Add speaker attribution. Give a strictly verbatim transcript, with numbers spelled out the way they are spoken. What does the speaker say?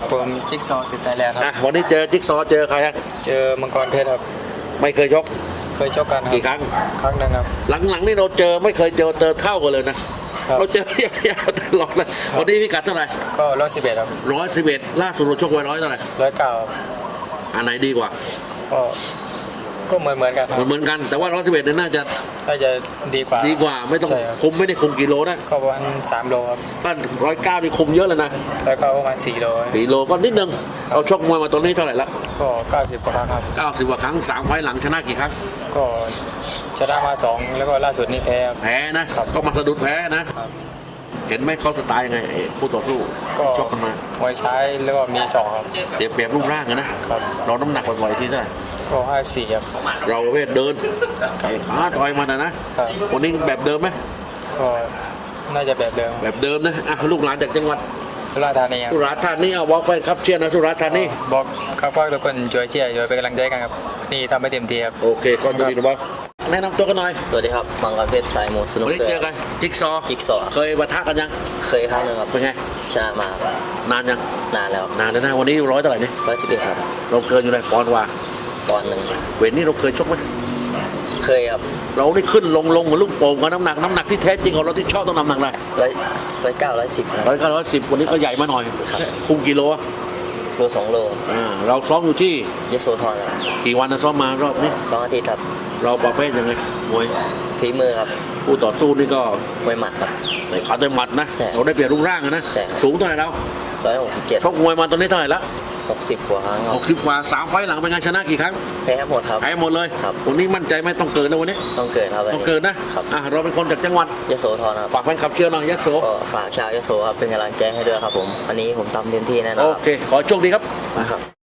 Speaker 1: ผมจิ๊กซอว์สิทธิ์ไทยแลนด์ค
Speaker 2: อ่ะ
Speaker 1: รับ
Speaker 2: วันนี้เจอจิ๊กซอว์เจอใครฮะ
Speaker 1: เจอมังกรเพชรครับ
Speaker 2: ไม่เคยชก
Speaker 1: เคยชกกันครับ
Speaker 2: กี่ครั้ง
Speaker 1: ครั้งหนึ่งครับ
Speaker 2: หลังๆนี่เราเจอไม่เคยเจอเจอเท่ากันเลยนะครับ เราเจอยาวๆตลอดเลยวันนี้พิกัดเท่าไหร่
Speaker 1: ก็ร้อยสิบเอ็ดครับ
Speaker 2: ร้อยสิบเอ็ดล่าสุดเราชกไว้ร้อยเท่าไหร่
Speaker 1: ร้อยเก้า
Speaker 2: อันไหนดีกว่า
Speaker 1: ก็ก็เหมือนเหมือนกันค
Speaker 2: เห
Speaker 1: รั
Speaker 2: มือบ นเหมือนกันแต่ว่าร้อยสิบเอ็ดเนี่ยน่าจะ
Speaker 1: น่าจะดีกว่า
Speaker 2: ดีกว่าไม่ต้อง
Speaker 1: ใช่ครับ
Speaker 2: คุมไม่ได้คุมกิโลนะ
Speaker 1: ก็ประมาณสามโลครับ
Speaker 2: ถ้าร้อยเก้านี่คุมเยอะเลยนะ
Speaker 1: แล้วก็ประมาณสี่โล
Speaker 2: สี่โลก็นิดนึงเราชกมวยมาตอนนี้เท่าไหร่ละ
Speaker 1: ก็เก้าสิบกว่าครั้งครับ
Speaker 2: เก้าสิบกว่าครั้งสามไฟล์หลังชนะกี่ครั้ง
Speaker 1: ก็ชนะมาสองแล้วก็ล่าสุดนี่แพ้ครับ
Speaker 2: แพ้นะครับ ก็มาสะดุดแพ้นะ
Speaker 1: ครับ
Speaker 2: เห็นไหมเขาสไตล์ยังไงไอ้คู่ต่อสู้
Speaker 1: ก็
Speaker 2: ชกกันมาม
Speaker 1: วยซ้ายแล้วก็มีสองครับ
Speaker 2: เสียเปรียบรูปร่างอะนะครับ เราน้ำหนักบ่อยๆที่เท่าไหร่
Speaker 1: ก็ห้าสี่ครับ
Speaker 2: เราประเภทเดินไอ้ขาต่อยมันนะนะครับ วันนี้แบบเดิมไหม
Speaker 1: ก็น่าจะแบบเดิม
Speaker 2: แบบเดิมนะอ่ะลูกหลานจากจังหวัด
Speaker 1: สุราษฎร์ธานีครับ
Speaker 2: สุราษฎร์ธานีเอาวอลแฟนครับเชียร์นะสุราษฎร์ธานี
Speaker 1: บอกครับว่าทุกคนช่วยเชียร์ช่วยเป็นกำลังใจกันครับนี่ทำให้เต็มที่ครับ
Speaker 2: โอเคก็ดีนะบอสแนะนำตัวกันหน่อย
Speaker 3: สวัสดีครับมังกรเพชรสายมูสนุก
Speaker 2: วันนี้
Speaker 3: เกอ
Speaker 2: เจอ
Speaker 3: ร์
Speaker 2: กันจิ๊กซอว์
Speaker 3: จิ๊กซอว์
Speaker 2: เคยปะทะกันยัง
Speaker 3: เคยครั้งหนึงครับ
Speaker 2: เป็นไง
Speaker 3: ชนะมาครับ
Speaker 2: นานยัง
Speaker 3: นานแล้ว
Speaker 2: นานแล้วนะวันนี้ร้อยเท่าไหร่นี่
Speaker 3: ร้อยสิบเอ็ดครับ
Speaker 2: เราเกินอยู่เลยปอนด์กว่า
Speaker 3: ตอนหนึ่ง
Speaker 2: เวทนี้เราเคยชกไหม
Speaker 3: เคยครับ
Speaker 2: เราได้ขึ้นลงลงเหมือนลูกโป่งกับน้ำหนักน้ำหนักที่แท้จริงของเราที่ชอบต้องน้ำหนักอะไร
Speaker 3: ร้อยร้อยเก้าร้อยสิบ
Speaker 2: ร้อยเก้าร้อยสิบวันนี้ก็ใหญ่มาหน่อย
Speaker 3: ครับ
Speaker 2: คุมกิโลอะ
Speaker 3: โลสองโล
Speaker 2: อ่าเราซ้อมอยู่ที่
Speaker 3: ยโสธรครับ
Speaker 2: กี่วันนะซ้อมมารอบนี้
Speaker 3: สองอาทิตย์ครับ
Speaker 2: เราประเภทยังไงมวย
Speaker 3: ฝีมือครับ
Speaker 2: คู่ต่อสู้นี่ก็
Speaker 3: มวยหมัดครับ
Speaker 2: ไอ้ขาต่อยหมัดนะ
Speaker 3: ใช่
Speaker 2: เราได้เปรียบรูปร่างอะนะ
Speaker 3: ใช่ครับ
Speaker 2: สูงเท่าไหร่แล้ว
Speaker 3: ร้อยหกสิบเจ็ด
Speaker 2: ชกมวยมาตอนนี้เท่าไหร่ละ
Speaker 3: หกสิบกว่าครั้งค
Speaker 2: ห
Speaker 3: รับ
Speaker 2: กสิบกว่าสามไฟล์หลังเป็นไงชนะกี่ครั้ง
Speaker 3: แพ้หมดครับ
Speaker 2: แพ้หมดเลย
Speaker 3: ครับ
Speaker 2: วันนี้มั่นใจไหมต้องเกินนะวันนี้
Speaker 3: ต้องเกิดครับ
Speaker 2: ต้องเกินนะครับ อ่ะเราเป็นคนจากจังหวัด
Speaker 3: ยโสธรครับ
Speaker 2: ฝากแฟนคลับเชียร์หน่อยยะโส
Speaker 3: ก็ฝากชาวยโสครับเป็นกำลังใจให้ด้วยครับผมวันนี้ผมทำเต็มที่แน่นอน
Speaker 2: โอ
Speaker 3: ครับ
Speaker 2: เค ขอโชคดีครับ
Speaker 3: นะครับ